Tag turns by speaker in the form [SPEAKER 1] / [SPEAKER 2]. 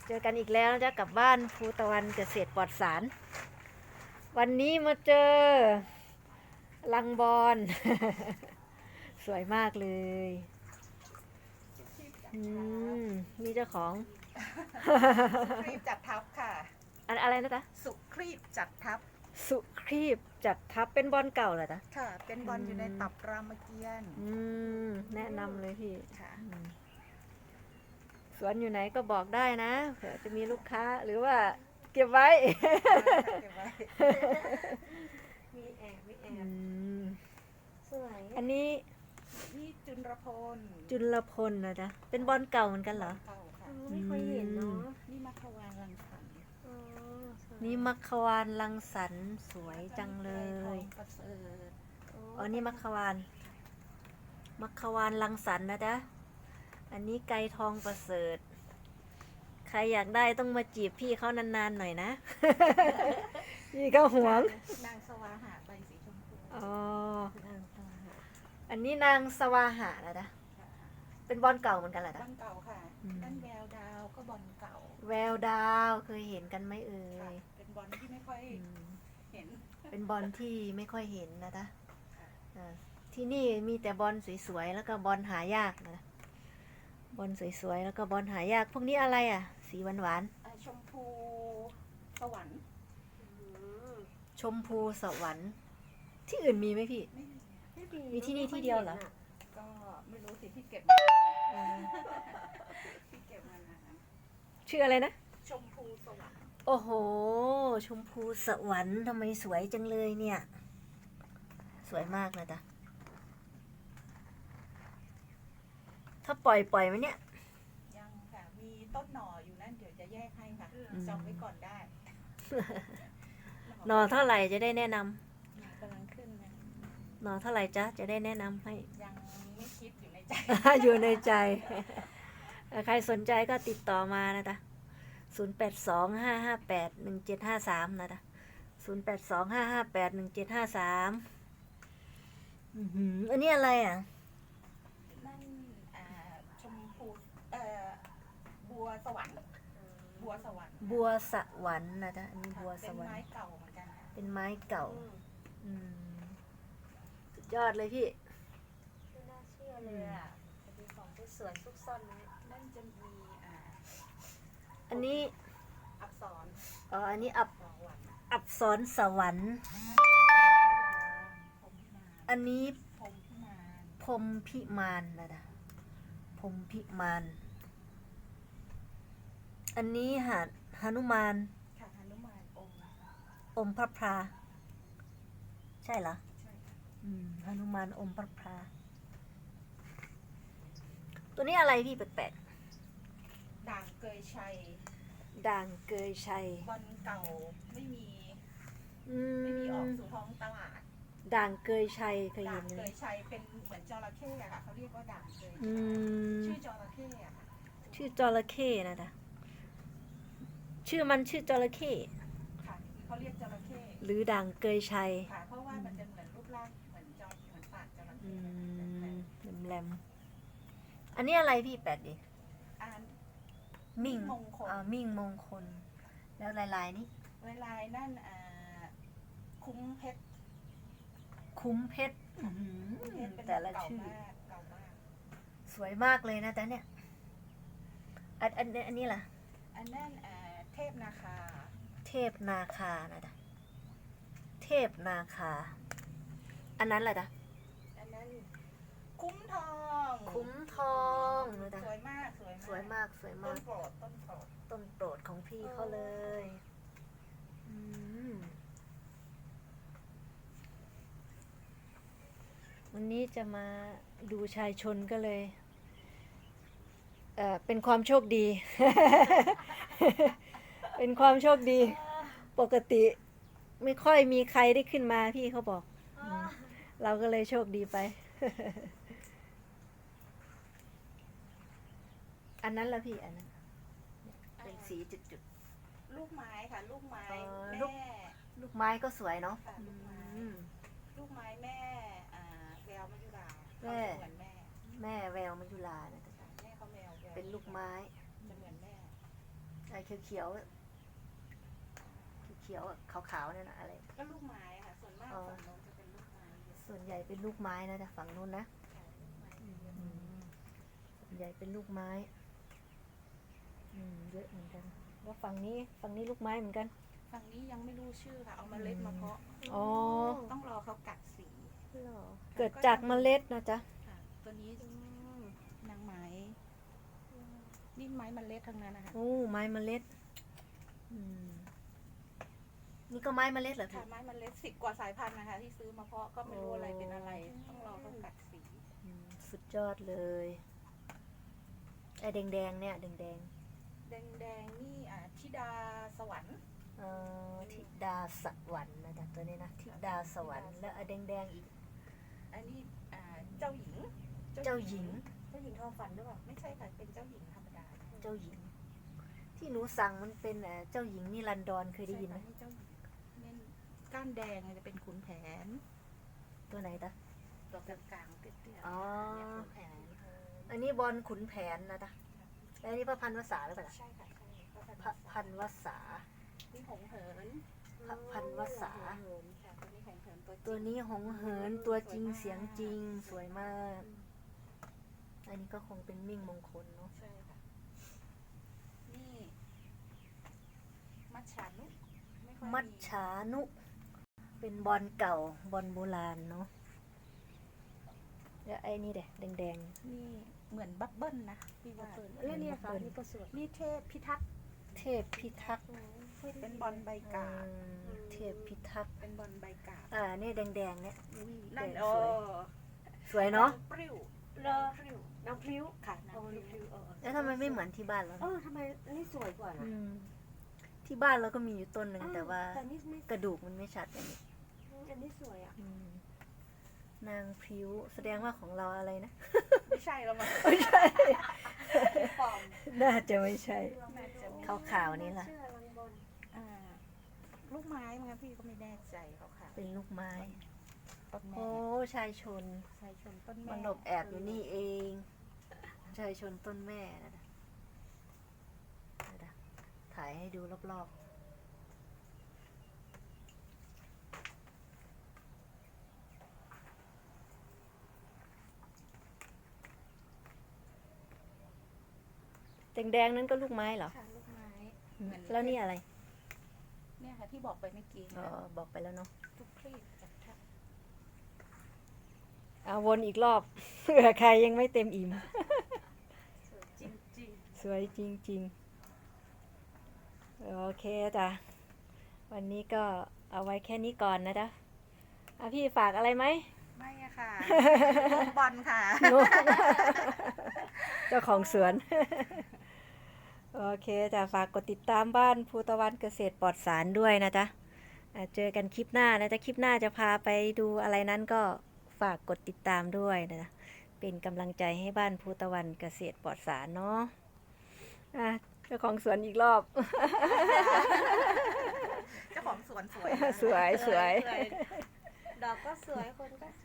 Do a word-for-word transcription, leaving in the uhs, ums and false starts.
[SPEAKER 1] เจอกันอีกแล้วนะจ๊ะกับบ้านภูตะวันเกษตรปลอดสารวันนี้มาเจอลังบอน สวยมากเลยอืมนี่เจ้าของ
[SPEAKER 2] สุครีบจัดทับค่ะ
[SPEAKER 1] อันอะไรนะจ๊ะ
[SPEAKER 2] สุครีบจัดทับ
[SPEAKER 1] สุครีบจัดทับเป็นบอนเก่าเหรอจ๊ะ
[SPEAKER 2] ค่ะ เป็นบอลอยู่ในตับรามเกียรติ์
[SPEAKER 1] อืมแนะนำเลยพี่
[SPEAKER 2] ค่ะ
[SPEAKER 1] อืมสวนอยู่ไหนก็บอกได้นะเผื่อจะมีลูกค้าหรือว่าเก็บไว้
[SPEAKER 2] เก็บไว้
[SPEAKER 3] มีแอบมีแอ
[SPEAKER 1] อื
[SPEAKER 3] บ
[SPEAKER 1] ม
[SPEAKER 3] สวย
[SPEAKER 1] อันนี้
[SPEAKER 2] นี่จุลพล
[SPEAKER 1] จุลพลนะจ๊ะเป็นบอลเก่าเหมือนกันเหรอ
[SPEAKER 2] เก่าค่ะ
[SPEAKER 3] ไม่เคยเห็นเนาะ
[SPEAKER 2] นี่มัควานรังสรรค์
[SPEAKER 3] อ๋อสวย
[SPEAKER 1] นี่มัคควานรังสรรค์สวยจังเล
[SPEAKER 2] ทอย งประเสริฐ
[SPEAKER 1] อ๋อนี่มัคควานมัคควานรังสรรค์นะจ๊ะอันนี้ไก่ทองประเสริฐใครอยากได้ต้องมาจีบพี่เขานานๆหน่อยนะ พี่เขาหวง
[SPEAKER 2] นางสวาหาใบสีชมพู
[SPEAKER 1] อ๋อ
[SPEAKER 3] นางฟ้า
[SPEAKER 1] อันนี้นางสวาหะนะจ๊ะเป็นบอลเก่าเหมือนกันเหรอบ จ๊ะ
[SPEAKER 2] อลเก่าค่ะ
[SPEAKER 1] อืม
[SPEAKER 2] ด้านแววดาวก็บอลเก่า
[SPEAKER 1] แววดาวเคยเห็นกันไหมเอ่
[SPEAKER 2] ค่ะ
[SPEAKER 1] ย
[SPEAKER 2] เป็นบอลที่ไม่ค่อย
[SPEAKER 1] อืม
[SPEAKER 2] เห็น
[SPEAKER 1] เป็นบอลที่ไม่ค่อยเห็นนะจ๊ะอ่าที่นี่มีแต่บอลสวยๆแล้วก็บอลหายากนะบอลสวยๆแล้วก็บอลหายากพวกนี้อะไรอ่ะ สีหวาน
[SPEAKER 2] อ่าชมพูสวรรค์
[SPEAKER 3] อืม
[SPEAKER 1] ๆชมพูสวรรค์ที่อื่นมีไหมพี่
[SPEAKER 2] ไม่มี
[SPEAKER 3] ไม่ดี
[SPEAKER 1] มีที่นี่ที่เดียวเหรอ
[SPEAKER 2] ก็ไม่รู้สิที่เก็บมา
[SPEAKER 1] อ่า
[SPEAKER 2] ที่เก็บมานาน
[SPEAKER 1] ชื่ออะไรนะ
[SPEAKER 2] ชมพูสวรรค์
[SPEAKER 1] โอ้โห ชมพูสวรรค์ทำไมสวยจังเลยเนี่ย สวยมากนะจ๊ะถ้าปล่อยปล่อยไหมเนี่ย
[SPEAKER 2] ยังค่ะ มีต้นหน่ออยู่นั่นเดี๋ยวจะแยกให้ค่ะ
[SPEAKER 1] อืม
[SPEAKER 2] จองไว้ก่อนได้
[SPEAKER 1] หน่อเท่าไหร่จะได้แนะนำ
[SPEAKER 2] หน่อกำลังขึ้นนะ
[SPEAKER 1] หน่อเท่าไหร่จ๊ะจะได้แนะนำให้
[SPEAKER 2] ยังไม่คิดอยู่ในใจ
[SPEAKER 1] อยู่ในใจ ใครสนใจก็ติดต่อมานะจ๊ะศูนย์แปดสองห้าห้าแปดหนึ่งเจ็ดห้าสามนะจ๊ะศูนย์แปดสองห้าห้าแปดหนึ่งเจ็ดห้าสามอันนี้อะไรอ่ะ
[SPEAKER 2] นั่นอ่าชมพูเอ่อบัวสวรรค์บัวสวรรค์
[SPEAKER 1] บัวสวรรค์นะจ๊ะอันนี้
[SPEAKER 2] ค่ะ
[SPEAKER 1] บัวส
[SPEAKER 2] เป็น
[SPEAKER 1] วรร
[SPEAKER 2] ไม้
[SPEAKER 1] ค์
[SPEAKER 2] เก่าเหมือนกันค่ะ
[SPEAKER 1] เป็นไม้เก่า
[SPEAKER 3] อืม
[SPEAKER 1] อืมสุดยอดเลยพี่
[SPEAKER 3] ไม่น่าเชื่อเลยอ่ะจะมีของที่สวยซุกซ่อนไว้
[SPEAKER 2] นั่นจะมีอ่า
[SPEAKER 1] อันนี้
[SPEAKER 2] อักษร
[SPEAKER 1] อ๋ออันนี้อับ
[SPEAKER 2] สวรรค์
[SPEAKER 1] อับสรสวรรค์
[SPEAKER 2] พรหมพิมาน
[SPEAKER 1] อันนี้
[SPEAKER 2] พรหมพิมาน
[SPEAKER 1] พรหมพิมานนะจ๊ะพรหมพิมาน อันนี้หาดหนุมาน
[SPEAKER 2] ค่ะหนุมานองค์
[SPEAKER 1] อมพระพราใช่เหรอ
[SPEAKER 2] ใช่ค่ะ
[SPEAKER 1] อืมหนุมานอมพระพราตัวนี้อะไรพี่แปลก
[SPEAKER 2] ด่างเกยชัย
[SPEAKER 1] ๆด่างเกยชัย
[SPEAKER 2] บอลเก่าไม่มี
[SPEAKER 1] อื
[SPEAKER 2] ไม่มีออก
[SPEAKER 1] ม
[SPEAKER 2] สู่ท้องตลาด
[SPEAKER 1] ด่างเกยชัยเคย
[SPEAKER 2] ด่า
[SPEAKER 1] เห็
[SPEAKER 2] ง
[SPEAKER 1] นไห
[SPEAKER 2] เก
[SPEAKER 1] ม
[SPEAKER 2] ยชัยเป็นเหมือนจระเข้อะค่ะเขาเรียกว่าด่างเกย
[SPEAKER 1] อืม
[SPEAKER 2] ชื่อจระเข้อะค่ะ
[SPEAKER 1] ชื่อจระเข้นะจ๊ะชื่อมันชื่อจระเข้
[SPEAKER 2] ค่ะเขาเรียกจระเข้
[SPEAKER 1] หรือด่างเกยชัย
[SPEAKER 2] ค่ะ เพราะว่ามันจะเหมือนรูปร่างเหมือนจอเหมือนปากจระ
[SPEAKER 1] อื
[SPEAKER 2] เข้
[SPEAKER 1] มแหลมๆอันนี้อะไรพี่แปลกดิ
[SPEAKER 2] อ่าน
[SPEAKER 1] มิ่ง
[SPEAKER 2] มงคล
[SPEAKER 1] อ่ามิ่งมงคล แล้วลายลายๆนี่
[SPEAKER 2] เวลานั่นอ่าคุ้มเพชร
[SPEAKER 1] คุ้มเพชรอื้อหือ
[SPEAKER 2] เพชรเป็น
[SPEAKER 1] แต่ละ
[SPEAKER 2] เก่า
[SPEAKER 1] ชื่อ
[SPEAKER 2] มากเก่ามาก
[SPEAKER 1] สวยมากเลยนะจ๊ะเนี่ย อันอันอันนี้ล่ะ
[SPEAKER 2] อันนั้นอ่าเทพนาคา
[SPEAKER 1] เทพนาคานะจ๊ะเทพนาคา อันนั้นล่ะจ๊ะ
[SPEAKER 2] อันนั้นคุ้มทอง
[SPEAKER 1] คุ้มทองนะจ๊ะ
[SPEAKER 2] สวยมากสวย
[SPEAKER 1] สวยมากสวย
[SPEAKER 2] ต้
[SPEAKER 1] มาน ก
[SPEAKER 2] โปรดต้นโปรด
[SPEAKER 1] ต้นโปรดของพี่เขาเลยอืมวันนี้จะมาดูชายชนก็เลย เอ่อ เป็นความโชคดี เป็นความโชคดี ปกติไม่ค่อยมีใครได้ขึ้นมาพี่เขาบอกอืมเราก็เลยโชคดีไป อันนั้นละพี่อันนั้นเป็นสีจุด
[SPEAKER 2] ลูกไม้ค่ะ ลูกไม้
[SPEAKER 1] อ๋อ
[SPEAKER 2] แม่
[SPEAKER 1] ลูก ๆ ลูกไม้ก็สวยเนาะ
[SPEAKER 2] ค่ะลูกไม้
[SPEAKER 1] อืม
[SPEAKER 2] ลูกไม้แม่อ่าแววมัจจุรา
[SPEAKER 1] แม่
[SPEAKER 2] เขาจะเหมือนแม่
[SPEAKER 1] แม่แววมัจจุรานะจ๊ะ
[SPEAKER 2] แม่เขาแววแวว
[SPEAKER 1] เป็นลูกไม้
[SPEAKER 2] จะเหมือนแม่
[SPEAKER 1] ไอ้เขียวๆเขียวๆขาวๆนั่นนะอะไร
[SPEAKER 2] ก็ลูกไม้ค่ะ ส่วนมาก
[SPEAKER 1] อ๋อ
[SPEAKER 2] ฝั่งโน้นจะเป็นลูกไม้เยอะ
[SPEAKER 1] ส่วนใหญ่เป็นลูกไม้นะแต่ฝั่งนู้นนะ
[SPEAKER 2] ค่ะลูกไม้เยอะ
[SPEAKER 1] อืมส่วนใหญ่เป็นลูกไม้อืมเยอะเหมือนกันแล้วฝั่งนี้ฝั่งนี้ลูกไม้เหมือนกัน
[SPEAKER 2] ฝั่งนี้ยังไม่รู้ชื่อค่ะ เอาเมล็ดมาเพาะ
[SPEAKER 1] อ๋อ
[SPEAKER 2] ต้องรอเขากัดสี
[SPEAKER 1] เหรอเกิดจากเมล็ดนะจ๊ะ
[SPEAKER 2] ค่ะ ตัวนี้นางไม้นี่ไม้เมล็ดทั้งนั้นนะคะ
[SPEAKER 1] โอ้ไม้เมล็ดอืมนี่ก็ไม้เมล็ดเหรอ
[SPEAKER 2] ค่ะ
[SPEAKER 1] พี่
[SPEAKER 2] ไม้เมล็ดสิบกว่าสายพันธุ์นะคะ ที่ซื้อมาเพาะก็ไม่รู้อะไรเป็นอะไร ต้องรอเขากัดสี
[SPEAKER 1] อืมสุดยอดเลยไอ้แดงๆเนี่ยแดง
[SPEAKER 2] แดงแดงๆนี่อ่าธิดาสวรรค์
[SPEAKER 1] ๆเอ่อธิดาสวรรค์นะจ๊ะตัวนี้นะธิดาสวรรค์แล้วไอ้แดงๆอีก
[SPEAKER 2] อันนี้อ่าเจ้าหญิง
[SPEAKER 1] เจ้าหญิง
[SPEAKER 3] เจ้าหญิงทอฝันด้วยเปล่า
[SPEAKER 2] ไม่ใช่ค่ะ เป็นเจ้าหญิงธรรมดา
[SPEAKER 1] เจ้าหญิง ที่หนูสั่งมันเป็นเอ่อเจ้าหญิงนิรันดรเคยได้ยินไหม
[SPEAKER 2] ใช่ค่ะนี่เจ้าหญิงเนี่ยก้านแดงจะเป็นขุนแผน
[SPEAKER 1] ตัวไหนจ๊ะ
[SPEAKER 2] ตัวกลางๆเตี้ยๆ
[SPEAKER 1] อ๋อ
[SPEAKER 2] เนี่ยขุนแผน
[SPEAKER 1] อันนี้บอลขุนแผนนะจ๊ะแล้วอันนี้พระพันวษาหรือเปล่าจ๊ะ
[SPEAKER 2] ใช่ค่ะใช่ก็เป็น
[SPEAKER 1] พระพันวษา
[SPEAKER 2] นี่หงเหิน
[SPEAKER 1] พระพันวษา
[SPEAKER 2] ค่ะตัวนี้หงเหินตัวจริง
[SPEAKER 1] ตัวนี้หงเหินตัวจริงเสียงจริงสวยมาก อันนี้ก็คงเป็นมิ่งมงคลเนาะ
[SPEAKER 2] ใช่ค่ะนี่มัจฉานุไค่อย
[SPEAKER 1] มัจฉานุ เป็นบอลเก่าบอลโบราณเนาะแล้วไอ้นี่เด็แดง
[SPEAKER 2] นี่เหมือนบับเบิ้ลนะพี่ว่า
[SPEAKER 3] แล้วเนี่ยค่ะนี่ก็สวย
[SPEAKER 2] นี่เทพพิทักษ์
[SPEAKER 1] ๆ เทพพิทักษ์
[SPEAKER 2] เป็นบอลใบกาบ
[SPEAKER 1] อืมเทพพิทักษ์
[SPEAKER 2] เป็นบอลใบกาบ
[SPEAKER 1] อ่านี่แดงๆเนี่ย
[SPEAKER 2] นั่น
[SPEAKER 1] แดง
[SPEAKER 2] โอ้
[SPEAKER 1] สวย สวยเนาะ
[SPEAKER 2] ปริ้ว
[SPEAKER 3] รอ
[SPEAKER 2] ปริ้ว
[SPEAKER 3] น้ำพริ้ว
[SPEAKER 2] ค่ะ
[SPEAKER 3] โอ้
[SPEAKER 2] น้ำพริ้ว
[SPEAKER 3] น้ำพริ้วเออ
[SPEAKER 1] แล้วทำไมไม่เหมือนที่บ้านเรา
[SPEAKER 3] เออทำไมอันนี้สวยกว่านะ
[SPEAKER 1] อืมที่บ้านเราก็มีอยู่ต้นหนึ่งแต่ว่า
[SPEAKER 3] แต่นี่ไม่
[SPEAKER 1] กระดูกมันไม่ชัดอย่างนี้
[SPEAKER 3] อันนี้สวยอ่ะ
[SPEAKER 1] อืมนางพริ้วแสดงว่าของเราอะไรนะ
[SPEAKER 2] ไม่ใช่แล้วมั้ง
[SPEAKER 1] ไม่ใช่
[SPEAKER 2] ปลอม
[SPEAKER 1] น่าจะไม่ใช่
[SPEAKER 2] น่าจะมี
[SPEAKER 1] ขาวๆนี่ล่ะ
[SPEAKER 3] เชื่อลังบอล
[SPEAKER 2] อ่าลูกไม้มั้งคะพี่ก็ไม่แน่ใจเขาค่ะ
[SPEAKER 1] เป็นลูกไม้
[SPEAKER 2] ต้นแม่
[SPEAKER 1] โอ้ชายชน
[SPEAKER 2] ชายชนต้นแม่
[SPEAKER 1] มันหลบแอบอยู่นี่เองชายชนต้นแม่นะนะนะนะถ่ายให้ดูรอบๆแดงๆนั้นก็ลูกไม้เหรอ
[SPEAKER 2] ค่ะลูกไม้
[SPEAKER 1] อืม
[SPEAKER 2] เหมือน
[SPEAKER 1] แล้วนี่อะไร
[SPEAKER 2] เนี่ยค่ะที่บอกไปเมื่อกี้
[SPEAKER 1] อ๋อบอกไปแล้วเนาะ
[SPEAKER 2] ทุกคลีบจากทัก
[SPEAKER 1] เอาวนอีกรอบ เผื่อใครยังไม่เต็มอิ่ม
[SPEAKER 2] จริงจริง
[SPEAKER 1] สวยจริงๆ โอเคจ้ะ วันนี้ก็เอาไว้แค่นี้ก่อนนะจ๊ะอ่ะพี่ฝากอะไรไหม
[SPEAKER 2] ๆไม่อะค่ะลูกบอลค่ะ
[SPEAKER 1] นุ๊ก เจ้าของสวน โอเคจ้ะฝากกดติดตามบ้านภูตะวันเกษตรปลอดสารด้วยนะจ๊ะอ่ะเจอกันคลิปหน้านะจ๊ะคลิปหน้าจะพาไปดูอะไรนั้นก็ฝากกดติดตามด้วยนะจ๊ะเป็นกำลังใจให้บ้านภูตะวันเกษตรปลอดสารเนาะอ่ะเจ้าของสวนอีกรอบ
[SPEAKER 2] เจ้าของสวนสวย
[SPEAKER 1] สวยสวย
[SPEAKER 3] ดอกก็สวยคนก็ส